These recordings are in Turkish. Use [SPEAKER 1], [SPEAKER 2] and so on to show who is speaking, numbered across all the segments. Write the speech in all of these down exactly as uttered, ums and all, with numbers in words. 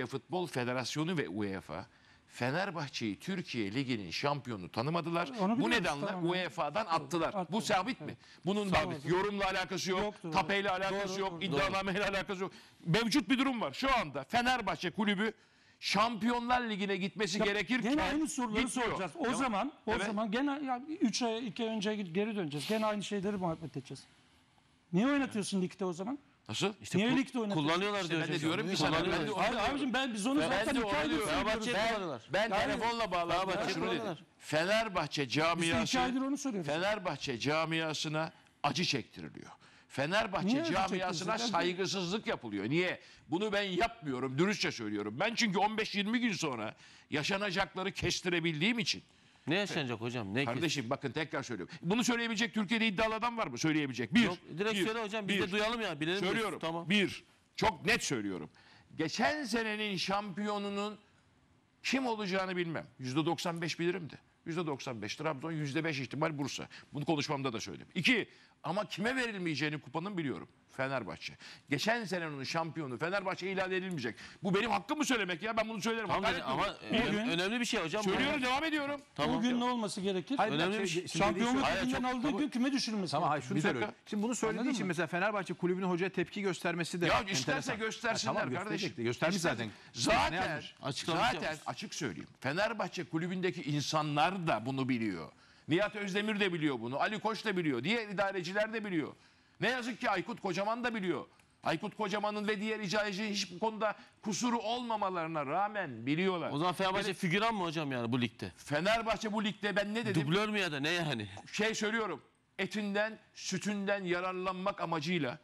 [SPEAKER 1] Türkiye Futbol Federasyonu ve UEFA Fenerbahçe'yi Türkiye Ligi'nin şampiyonu tanımadılar.
[SPEAKER 2] Onu
[SPEAKER 1] Bu
[SPEAKER 2] biliyoruz,
[SPEAKER 1] nedenle
[SPEAKER 2] tamam.
[SPEAKER 1] U E F A'dan attılar.
[SPEAKER 2] Attı.
[SPEAKER 1] Bu sabit mi?
[SPEAKER 2] Evet.
[SPEAKER 1] Bunun
[SPEAKER 2] Sabit.
[SPEAKER 1] yorumla alakası yok,
[SPEAKER 2] Yoktur.
[SPEAKER 1] tapeyle alakası
[SPEAKER 2] Doğru,
[SPEAKER 1] yok,
[SPEAKER 2] doğru.
[SPEAKER 1] iddianameyle alakası yok. Mevcut bir durum var. Şu anda Fenerbahçe kulübü Şampiyonlar Ligi'ne gitmesi
[SPEAKER 2] Ya,
[SPEAKER 1] gerekirken
[SPEAKER 2] gene aynı soruları
[SPEAKER 1] gitmiyor.
[SPEAKER 2] soracağız. O
[SPEAKER 1] Tamam.
[SPEAKER 2] zaman o
[SPEAKER 1] Evet.
[SPEAKER 2] zaman gene üç ay iki ay önce geri döneceğiz. Gene aynı şeyleri muhabbet edeceğiz. Niye oynatıyorsun ligde o zaman?
[SPEAKER 1] Nasıl?
[SPEAKER 3] İşte
[SPEAKER 2] Niye
[SPEAKER 3] ku-
[SPEAKER 2] ligde oynatıyorsun?
[SPEAKER 3] kullanıyorlar
[SPEAKER 1] İşte
[SPEAKER 3] diyor
[SPEAKER 1] ben de
[SPEAKER 3] hocam.
[SPEAKER 1] diyorum ki sana,
[SPEAKER 3] Kullanıyorlar.
[SPEAKER 1] ben de onu
[SPEAKER 2] Hayır
[SPEAKER 1] diyorum.
[SPEAKER 2] abicim ben biz onu
[SPEAKER 1] Ben
[SPEAKER 2] zaten
[SPEAKER 1] de
[SPEAKER 2] iki
[SPEAKER 1] onu
[SPEAKER 2] aydır
[SPEAKER 1] diyorum.
[SPEAKER 2] söylüyoruz.
[SPEAKER 3] Fenerbahçe'yi
[SPEAKER 1] Ben,
[SPEAKER 3] kullanıyorlar.
[SPEAKER 1] ben
[SPEAKER 2] Yani-
[SPEAKER 1] telefonla bağlandım.
[SPEAKER 3] Fenerbahçe
[SPEAKER 1] Şunu dedim.
[SPEAKER 3] kullanıyorlar.
[SPEAKER 1] Fenerbahçe
[SPEAKER 2] Biz de iki
[SPEAKER 1] camiası
[SPEAKER 2] aydır onu soruyoruz.
[SPEAKER 1] Fenerbahçe camiasına acı çektiriliyor. Fenerbahçe
[SPEAKER 2] Niye acı
[SPEAKER 1] camiasına
[SPEAKER 2] çektiriyorsun?
[SPEAKER 1] saygısızlık yapılıyor. Niye? Bunu ben yapmıyorum. Dürüstçe söylüyorum. Ben çünkü on beş yirmi gün sonra yaşanacakları kestirebildiğim için.
[SPEAKER 3] Ne yaşanacak hocam? Ne ki?
[SPEAKER 1] Kardeşim bakın tekrar söylüyorum. Bunu söyleyebilecek Türkiye'de iddialı adam var mı? Söyleyebilecek. Bir.
[SPEAKER 3] Yok, direkt
[SPEAKER 1] bir,
[SPEAKER 3] söyle hocam. Biz
[SPEAKER 1] bir.
[SPEAKER 3] de duyalım ya. Bilelim.
[SPEAKER 1] Söylüyorum.
[SPEAKER 3] Tamam.
[SPEAKER 1] Bir. Çok net söylüyorum. Geçen senenin şampiyonunun kim olacağını bilmem. yüzde doksan beş bilirim de. yüzde doksan beş Trabzon, yüzde beş ihtimal Bursa. Bunu konuşmamda da söyledim. İki. Ama kime verilmeyeceğini kupanın biliyorum. Fenerbahçe. Geçen senenin şampiyonu Fenerbahçe ilan edilmeyecek. Bu benim hakkım mı söylemek ya? Ben bunu söylerim.
[SPEAKER 3] Tamam
[SPEAKER 1] Hakaret
[SPEAKER 3] dedi, ama
[SPEAKER 1] mi?
[SPEAKER 3] önem-
[SPEAKER 2] Bugün-
[SPEAKER 3] önemli bir şey hocam. bu.
[SPEAKER 1] Söylüyorum, devam ediyorum.
[SPEAKER 3] Tamam.
[SPEAKER 2] Bugün ne olması gerekir?
[SPEAKER 4] Hayır,
[SPEAKER 3] Önemli
[SPEAKER 4] şey-
[SPEAKER 3] bir şey.
[SPEAKER 4] şimdi
[SPEAKER 2] Şampiyonluk
[SPEAKER 4] dediği şu-
[SPEAKER 2] liginden
[SPEAKER 4] Hayır,
[SPEAKER 2] aldığı
[SPEAKER 4] çok-
[SPEAKER 2] gün küme düşürülmesi.
[SPEAKER 4] Tamam hayır
[SPEAKER 2] gerekir.
[SPEAKER 4] şunu
[SPEAKER 1] Bir dakika.
[SPEAKER 4] söylüyorum. Şimdi bunu söylediği
[SPEAKER 2] Anladın
[SPEAKER 4] için
[SPEAKER 2] mı?
[SPEAKER 4] mesela Fenerbahçe kulübünün hocaya tepki göstermesi de
[SPEAKER 1] Ya isterse
[SPEAKER 4] enteresan.
[SPEAKER 1] göstersinler
[SPEAKER 4] Ha, tamam,
[SPEAKER 1] kardeşim.
[SPEAKER 4] gösterecek de. Göstermiş zaten. Ne
[SPEAKER 1] Zaten,
[SPEAKER 4] yazmış?
[SPEAKER 3] Açıklamış
[SPEAKER 1] zaten
[SPEAKER 3] yapmış.
[SPEAKER 1] açık söyleyeyim. Fenerbahçe kulübündeki insanlar da bunu biliyor. Nihat Özdemir de biliyor bunu. Ali Koç da biliyor. Diğer idareciler de biliyor. Ne yazık ki Aykut Kocaman da biliyor. Aykut Kocaman'ın ve diğer idarecilerin hiçbir konuda kusuru olmamalarına rağmen biliyorlar.
[SPEAKER 3] O zaman Fenerbahçe figüran mı hocam yani bu ligde?
[SPEAKER 1] Fenerbahçe bu ligde ben ne dedim?
[SPEAKER 3] Dublör mü ya da ne yani?
[SPEAKER 1] Şey söylüyorum. Etinden, sütünden yararlanmak amacıyla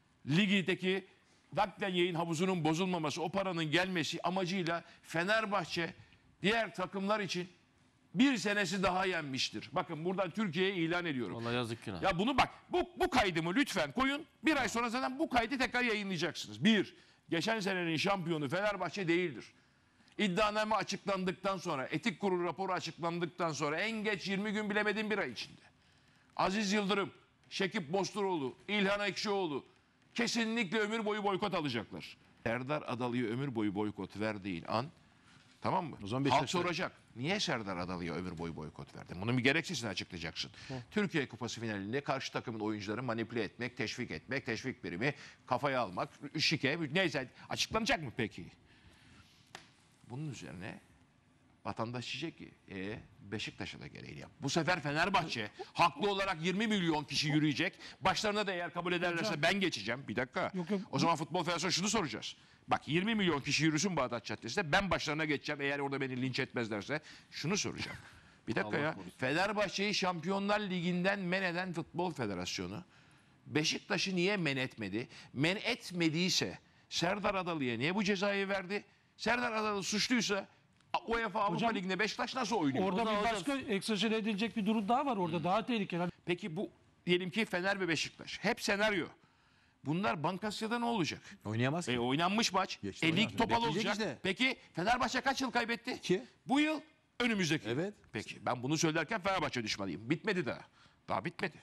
[SPEAKER 1] ligdeki naklen yayın havuzunun bozulmaması, o paranın gelmesi amacıyla Fenerbahçe diğer takımlar için bir senesi daha yenmiştir. Bakın buradan Türkiye'ye ilan ediyorum.
[SPEAKER 3] Vallahi yazık günah.
[SPEAKER 1] Ya bunu bak, bu, bu kaydımı lütfen koyun. Bir ay sonra zaten bu kaydı tekrar yayınlayacaksınız. Bir, geçen senenin şampiyonu Fenerbahçe değildir. İddianame açıklandıktan sonra, etik kurulu raporu açıklandıktan sonra en geç yirmi gün, bilemedim bir ay içinde. Aziz Yıldırım, Şekip Bosturoğlu, İlhan Ekşioğlu kesinlikle ömür boyu boykot alacaklar. Serdar Adalı'ya ömür boyu boykot verdiğin an, tamam mı?
[SPEAKER 4] O zaman
[SPEAKER 1] Halk
[SPEAKER 4] Beşiktaş'ta-
[SPEAKER 1] soracak. Niye Serdar Adalı'ya ömür boyu boykot verdin? Bunun bir gerekçesini açıklayacaksın. Türkiye Kupası finalinde karşı takımın oyuncuları manipüle etmek, teşvik etmek, teşvik birimi kafaya almak, şike, neyse açıklanacak mı peki? Bunun üzerine vatandaş diyecek ki e, Beşiktaş'a da gereğini yap. Bu sefer Fenerbahçe haklı olarak yirmi milyon kişi yürüyecek. Başlarına da eğer kabul ederlerse ben geçeceğim. Bir dakika.
[SPEAKER 2] Yok, yok.
[SPEAKER 1] O zaman Futbol Federasyonu şunu soracağız. Bak yirmi milyon kişi yürüsün Bağdat Caddesi'nde. Ben başlarına geçeceğim eğer orada beni linç etmezlerse. Şunu soracağım. Bir dakika ya. Fenerbahçe'yi Şampiyonlar Ligi'nden men eden Futbol Federasyonu Beşiktaş'ı niye men etmedi? Men etmediyse Serdar Adalı'ya niye bu cezayı verdi? Serdar Adalı suçluysa UEFA Avrupa
[SPEAKER 2] Hocam,
[SPEAKER 1] Ligi'nde Beşiktaş nasıl oynuyor?
[SPEAKER 2] Orada
[SPEAKER 3] O da
[SPEAKER 2] bir
[SPEAKER 3] hocam-
[SPEAKER 2] başka egzajere edilecek bir durum daha var orada. Daha tehlikeli.
[SPEAKER 1] Peki bu diyelim ki Fener ve Beşiktaş. Hep senaryo. Bunlar Bankasya'da ne olacak?
[SPEAKER 4] Oynayamaz
[SPEAKER 1] E,
[SPEAKER 4] ki.
[SPEAKER 1] oynanmış maç.
[SPEAKER 4] Geçti,
[SPEAKER 1] E, lig
[SPEAKER 4] oynanmış.
[SPEAKER 1] topal
[SPEAKER 4] Bekleyecek
[SPEAKER 1] olacak.
[SPEAKER 4] işte.
[SPEAKER 1] Peki Fenerbahçe kaç yıl kaybetti?
[SPEAKER 4] İki.
[SPEAKER 1] Bu yıl önümüzdeki. yıl.
[SPEAKER 4] Evet.
[SPEAKER 1] Peki ben bunu söylerken Fenerbahçe düşmanıyım. Bitmedi daha. Daha bitmedi.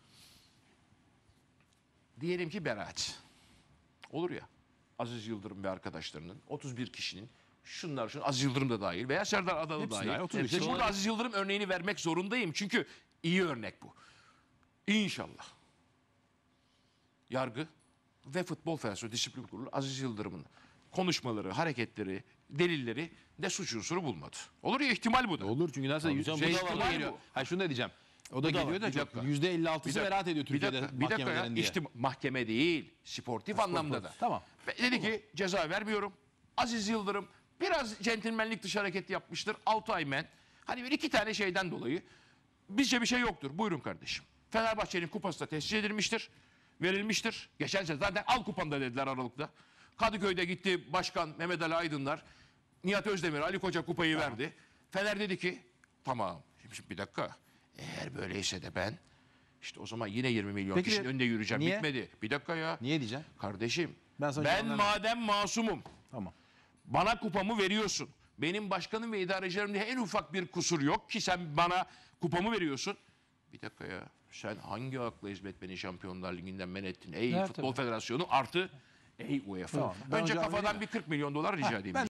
[SPEAKER 1] Diyelim ki beraat. Olur ya. Aziz Yıldırım ve arkadaşlarının otuz bir kişinin şunlar şunlar Aziz Yıldırım da dahil veya Serdar Adalı
[SPEAKER 4] Hepsi
[SPEAKER 1] dahil.
[SPEAKER 4] dahil, otuz bir
[SPEAKER 1] Hepsi.
[SPEAKER 4] kişi.
[SPEAKER 1] Burada Aziz Yıldırım örneğini vermek zorundayım. Çünkü iyi örnek bu. İnşallah. Yargı ve Futbol Federasyonu Disiplin Kurulu Aziz Yıldırım'ın konuşmaları, hareketleri, delilleri de suç unsuru bulmadı. Olur ya, ihtimal bu da.
[SPEAKER 4] Olur çünkü nasıl yüz,
[SPEAKER 3] canım,
[SPEAKER 4] şey,
[SPEAKER 3] bu da
[SPEAKER 4] o
[SPEAKER 3] var.
[SPEAKER 4] da geliyor. Ha şunu da diyeceğim. O da
[SPEAKER 3] Bu da
[SPEAKER 4] geliyor
[SPEAKER 3] var.
[SPEAKER 4] da
[SPEAKER 1] Bir
[SPEAKER 4] çok
[SPEAKER 1] dakika.
[SPEAKER 4] yüzde elli altısı
[SPEAKER 1] Bir dakika,
[SPEAKER 4] beraat ediyor
[SPEAKER 1] bir
[SPEAKER 4] Türkiye'de
[SPEAKER 1] dakika, bir dakika ya.
[SPEAKER 4] mahkemelerin diye.
[SPEAKER 1] İşte mahkeme değil, sportif anlamda da.
[SPEAKER 4] Tamam.
[SPEAKER 1] Ve dedi ki ceza vermiyorum. Aziz Yıldırım biraz centilmenlik dışı hareket yapmıştır. altı ay men. Hani bir iki tane şeyden dolayı bizce bir şey yoktur. Buyurun kardeşim. Fenerbahçe'nin kupası da tescil edilmiştir. Verilmiştir. Geçen sene zaten al kupanı da dediler Aralık'ta. Kadıköy'de gitti başkan Mehmet Ali Aydınlar. Nihat Özdemir, Ali Koç'a kupayı verdi. Fener dedi ki tamam. Şimdi bir dakika. Eğer böyleyse de ben işte o zaman yine yirmi milyon
[SPEAKER 4] Peki,
[SPEAKER 1] kişinin önünde yürüyeceğim.
[SPEAKER 4] niye?
[SPEAKER 1] Bitmedi. Bir dakika ya.
[SPEAKER 4] Niye diyeceğim?
[SPEAKER 1] Kardeşim
[SPEAKER 4] Ben sana
[SPEAKER 1] ben
[SPEAKER 4] cevap vermem.
[SPEAKER 1] madem masumum,
[SPEAKER 4] Tamam.
[SPEAKER 1] bana kupamı veriyorsun. Benim başkanım ve idarecilerimde en ufak bir kusur yok ki sen bana kupamı veriyorsun. Bir dakika ya. Sen hangi akla hizmet beni Şampiyonlar Ligi'nden men ettin? Ey
[SPEAKER 2] Evet,
[SPEAKER 1] Futbol
[SPEAKER 2] tabii.
[SPEAKER 1] Federasyonu artı ey UEFA.
[SPEAKER 4] Tamam. Ben
[SPEAKER 1] Önce
[SPEAKER 4] hocam
[SPEAKER 1] kafadan
[SPEAKER 4] vereyim
[SPEAKER 1] bir kırk milyon dolar rica edeyim.
[SPEAKER 4] Ben